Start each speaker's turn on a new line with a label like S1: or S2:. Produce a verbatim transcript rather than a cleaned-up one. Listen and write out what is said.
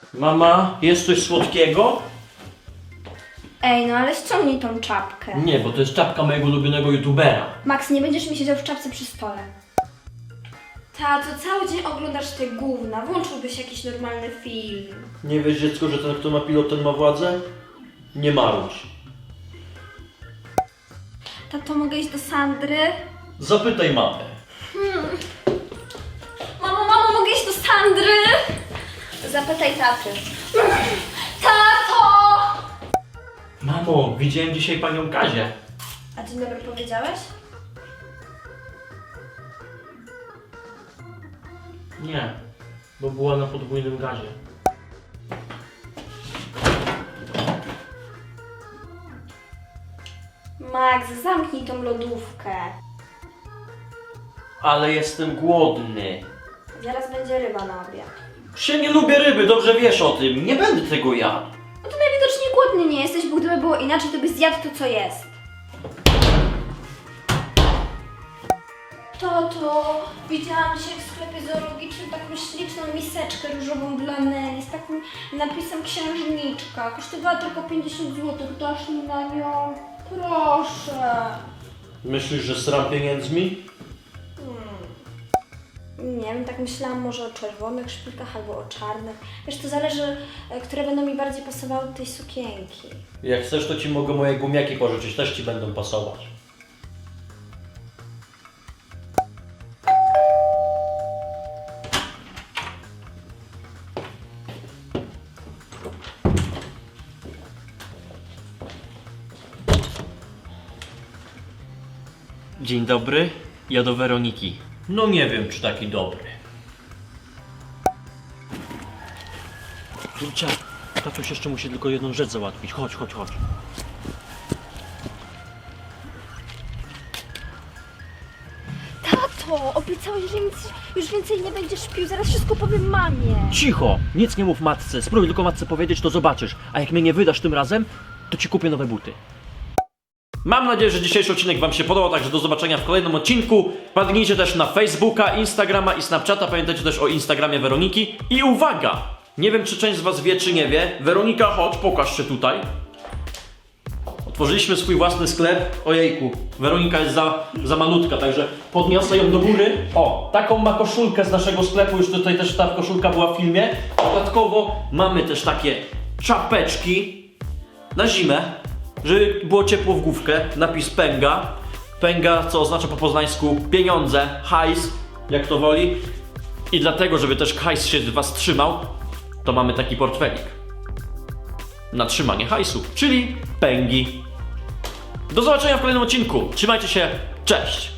S1: Mama, jest coś słodkiego?
S2: Ej, no ale ściągnij tą czapkę.
S1: Nie, bo to jest czapka mojego ulubionego youtubera.
S2: Max, nie będziesz mi siedział w czapce przy stole. Tato, cały dzień oglądasz te gówna. Włączyłbyś jakiś normalny film.
S1: Nie wiesz, dziecko, że ten, kto ma pilot, ten ma władzę? Nie marudź.
S2: Tato, mogę iść do Sandry?
S1: Zapytaj mamę.
S2: Mamo, mamo, mogę iść do Sandry? Zapytaj taty. Tato!
S1: Mamo, widziałem dzisiaj panią Kazię.
S2: A dzień dobry powiedziałeś?
S1: Nie, bo była na podwójnym gazie.
S2: Max, zamknij tą lodówkę.
S1: Ale jestem głodny.
S2: Zaraz będzie ryba na obiad.
S1: Się nie lubię ryby, dobrze wiesz o tym. Nie będę tego jadł.
S2: No to najwidoczniej głodny nie jesteś, bo gdyby było inaczej, to byś zjadł to, co jest. Tato, widziałam dzisiaj w sklepie zoologicznym taką śliczną miseczkę różową dla Nelly z takim napisem księżniczka. Kosztowała tylko pięćdziesiąt złotych. Dasz mi na nią? Proszę.
S1: Myślisz, że sram pieniędzmi?
S2: Nie wiem, tak myślałam może o czerwonych szpilkach albo o czarnych. Wiesz, to zależy, e, które będą mi bardziej pasowały do tej sukienki.
S1: Jak chcesz, to ci mogę moje gumiaki pożyczyć, też ci będą pasować. Dzień dobry, ja do Weroniki. No nie wiem, czy taki dobry. Julcia, tatuś jeszcze musi tylko jedną rzecz załatwić. Chodź, chodź, chodź.
S2: Tato, obiecałeś, że nic, już więcej nie będziesz pił, zaraz wszystko powiem mamie.
S1: Cicho! Nic nie mów matce. Spróbuj tylko matce powiedzieć, to zobaczysz. A jak mnie nie wydasz tym razem, to ci kupię nowe buty. Mam nadzieję, że dzisiejszy odcinek wam się podobał, także do zobaczenia w kolejnym odcinku. Wpadnijcie też na Facebooka, Instagrama i Snapchata. Pamiętajcie też o Instagramie Weroniki. I uwaga! Nie wiem, czy część z was wie, czy nie wie. Weronika, chodź, pokaż się tutaj. Otworzyliśmy swój własny sklep. Ojejku, Weronika jest za, za malutka, także podniosę ją do góry. O, taką ma koszulkę z naszego sklepu, już tutaj też ta koszulka była w filmie. Dodatkowo mamy też takie czapeczki na zimę, żeby było ciepło w główkę. Napis Pęga. Pęga, co oznacza po poznańsku pieniądze, hajs, jak to woli. I dlatego, żeby też hajs się z was trzymał, to mamy taki portfelik na trzymanie hajsu, czyli pęgi. Do zobaczenia w kolejnym odcinku. Trzymajcie się, cześć!